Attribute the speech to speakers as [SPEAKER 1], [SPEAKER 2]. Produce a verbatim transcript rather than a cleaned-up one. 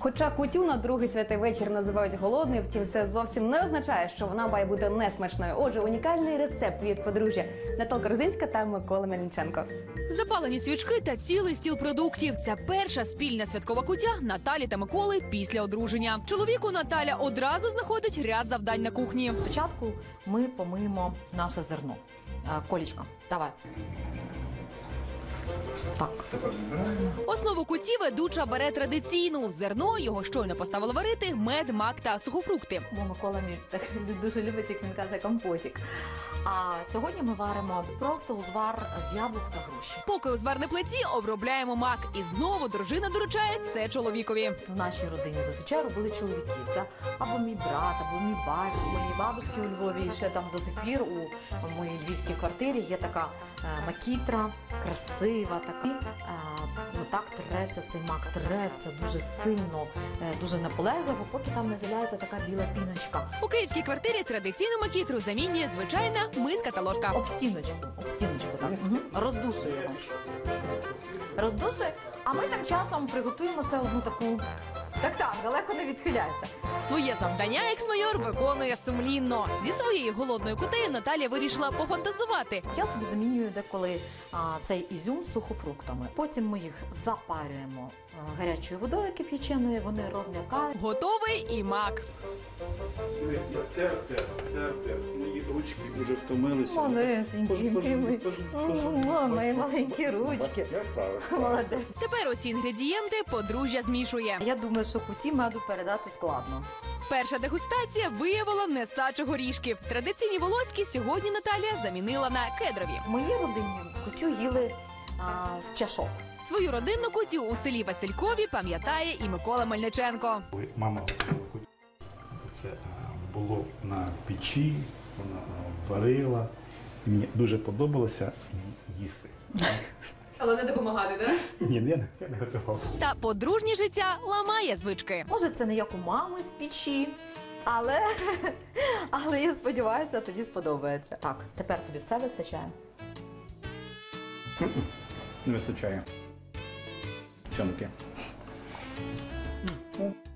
[SPEAKER 1] Хоча кутю на другий святий вечір називають голодною, втім це зовсім не означає, що вона має бути несмачною. Отже, унікальний рецепт від подружжя Наталка Розинська та Микола Мельниченко.
[SPEAKER 2] Запалені свічки та цілий стіл продуктів. Це перша спільна святкова кутя Наталі та Миколи після одруження. Чоловіку Наталя одразу знаходить ряд завдань на кухні.
[SPEAKER 3] Спочатку ми помиємо наше зерно. Е, Колічка, давай. Так.
[SPEAKER 2] Основу куті ведуча бере традиційну. Зерно його щойно поставили варити, мед, мак та сухофрукти.
[SPEAKER 3] Бо Микола мій так дуже любить, як він каже, компотик. А сьогодні ми варимо просто узвар з яблук та груші.
[SPEAKER 2] Поки у зварній плиті обробляємо мак. І знову дружина доручає це чоловікові.
[SPEAKER 3] В нашій родині зазвичай робили чоловіки. Це або мій брат, або мій батько, мої бабуськи у Львові. І ще там до сих пір у моїй львівській квартирі є така е, макітра, красива така. Е, так треться цей мак, треться дуже сильно, е, дуже наполегливо, поки там не з'являється така біла піночка.
[SPEAKER 2] У київській квартирі традиційну макітру замінює звичайна миска та ложка.
[SPEAKER 3] Об стіночку, об стіночку, так. Угу. Роздушуємо. Роздушуємо, а ми тим часом приготуємо ще одну таку. Так, так, далеко не відхиляйся.
[SPEAKER 2] Своє завдання екс-майор виконує сумлінно. Зі своєю голодною кутею Наталія вирішила пофантазувати.
[SPEAKER 3] Я собі замінюю деколи а, цей ізюм сухофруктами. Потім ми їх запарюємо а, гарячою водою кип'яченою, вони розм'якають.
[SPEAKER 2] Готовий і мак.
[SPEAKER 4] Тер, тер, тер, тер. Мої ручки вже втомилися.
[SPEAKER 3] Малесенькі, мої, мої маленькі ручки.
[SPEAKER 4] Я вправив.
[SPEAKER 3] Молодець.
[SPEAKER 2] Тепер усі інгредієнти подружжя змішує.
[SPEAKER 3] Я думаю, що куті меду передати складно.
[SPEAKER 2] Перша дегустація виявила нестачу горішків. Традиційні волоські сьогодні Наталія замінила на кедрові.
[SPEAKER 3] В моїй родині кутю їли а, з чашок.
[SPEAKER 2] Свою родинну кутю у селі Василькові пам'ятає і Микола Мельниченко.
[SPEAKER 4] Ой, Мама це було на печі, вона варила. І мені дуже подобалося їсти.
[SPEAKER 2] Але не допомагати, так?
[SPEAKER 4] Ні, я не, я не готував.
[SPEAKER 2] Та подружнє життя ламає звички.
[SPEAKER 3] Може, це не як у мами з печі, але, але я сподіваюся, тобі сподобається. Так, тепер тобі все вистачає?
[SPEAKER 4] Не вистачає. Чонки.